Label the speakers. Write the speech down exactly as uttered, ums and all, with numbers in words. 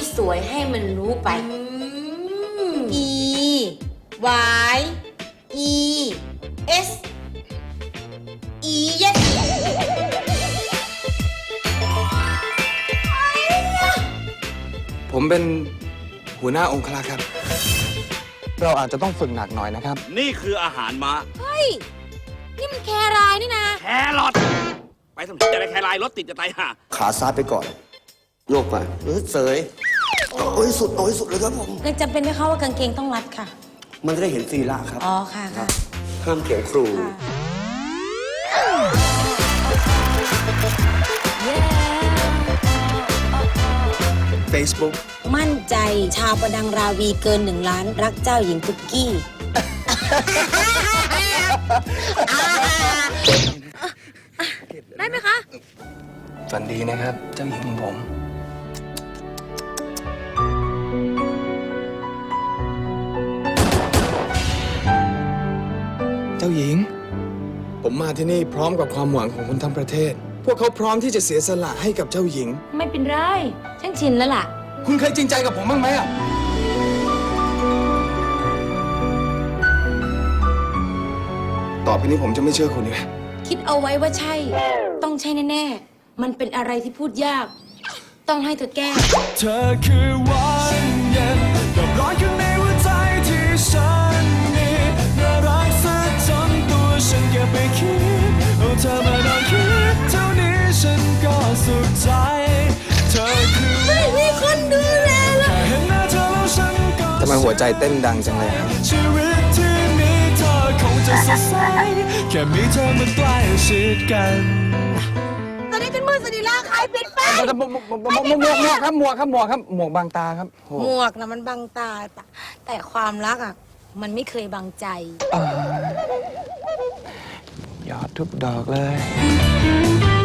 Speaker 1: สวยให้มันรู้ไป E Y E S E yes
Speaker 2: ผมเป็นหัวหน้าองครักษ์ครับ เราอาจจะต้องฝึกหนักหน่อยนะครับ
Speaker 3: นี่คืออาหารม้า
Speaker 1: เฮ้ย นี่มันแครายนี่นะ
Speaker 3: แครอทไปสมมติอะไรแครายรถติดจะตายห่า
Speaker 4: ขาซ้ายไปก่อน โยกไปเออเสยโอ้ยสุดโอ้ยสุดเลยครับผม
Speaker 1: ยังจำเป็นไหมคะว่ากางเกงต้องรัดค่ะ
Speaker 4: มันจะได้เห็นศีระครับ
Speaker 1: อ๋อ ค่ะค่ะ
Speaker 4: ห้ามเขียนครู
Speaker 1: ค่ะ
Speaker 2: Facebook
Speaker 1: มั่นใจชาวประดังราวีเกินหนึ่งล้านรักเจ้าหญิงตุ๊กกี้ ได้ไหมคะ
Speaker 2: ฝันดีนะครับ เจ้าหญิงของผม เจ้าหญิง ผมมาที่นี่พร้อมกับความหวังของคนทั้งประเทศ พวกเขาพร้อมที่จะเสียสละให้กับเจ้าหญิง
Speaker 1: ไม่เป็นไร ฉันชินแล้วล่ะ
Speaker 2: คุณเคยจริงใจกับผมบ้างไหมอ่ะ ต่อไปนี้ผมจะไม่เชื่อคุณอีกแล้ว
Speaker 1: คิดเอาไว้ว่าใช่ ต้องใช่แน่ๆ มันเป็นอะไรที่พูดยาก ต้องให้เธอแก้
Speaker 5: เธอคือวันเย็นกับร้อนข้างในหัวใจที่ฉันมีน่ารักซะจนตัวฉันเก็บไปคิดเอาเธอมาลองคิดเท่านี้ฉันก็สุขใจเธอคือไม่มีคนดูแลแล้วเห็นหน้าเธอแล้วฉันก็
Speaker 2: ทำไมหัวใจเต้นดังจังเลยครับ
Speaker 5: ชีวิตที่มีเธอคงจะสดใสแค่มีเธอมันใกล้ชิดกัน
Speaker 1: ตอนนี้เป็นมือสนิลาใครปิดไฟ
Speaker 2: หมวกหมวกหมวกหมวกหมวกครับหมวกครับหมวกครับหมวกบังตาครับโอ้
Speaker 1: หมวกนะมันบังตา แต่ความรักอ่ะ มันไม่เคยบังใจ
Speaker 2: หยอดทุกดอกเลย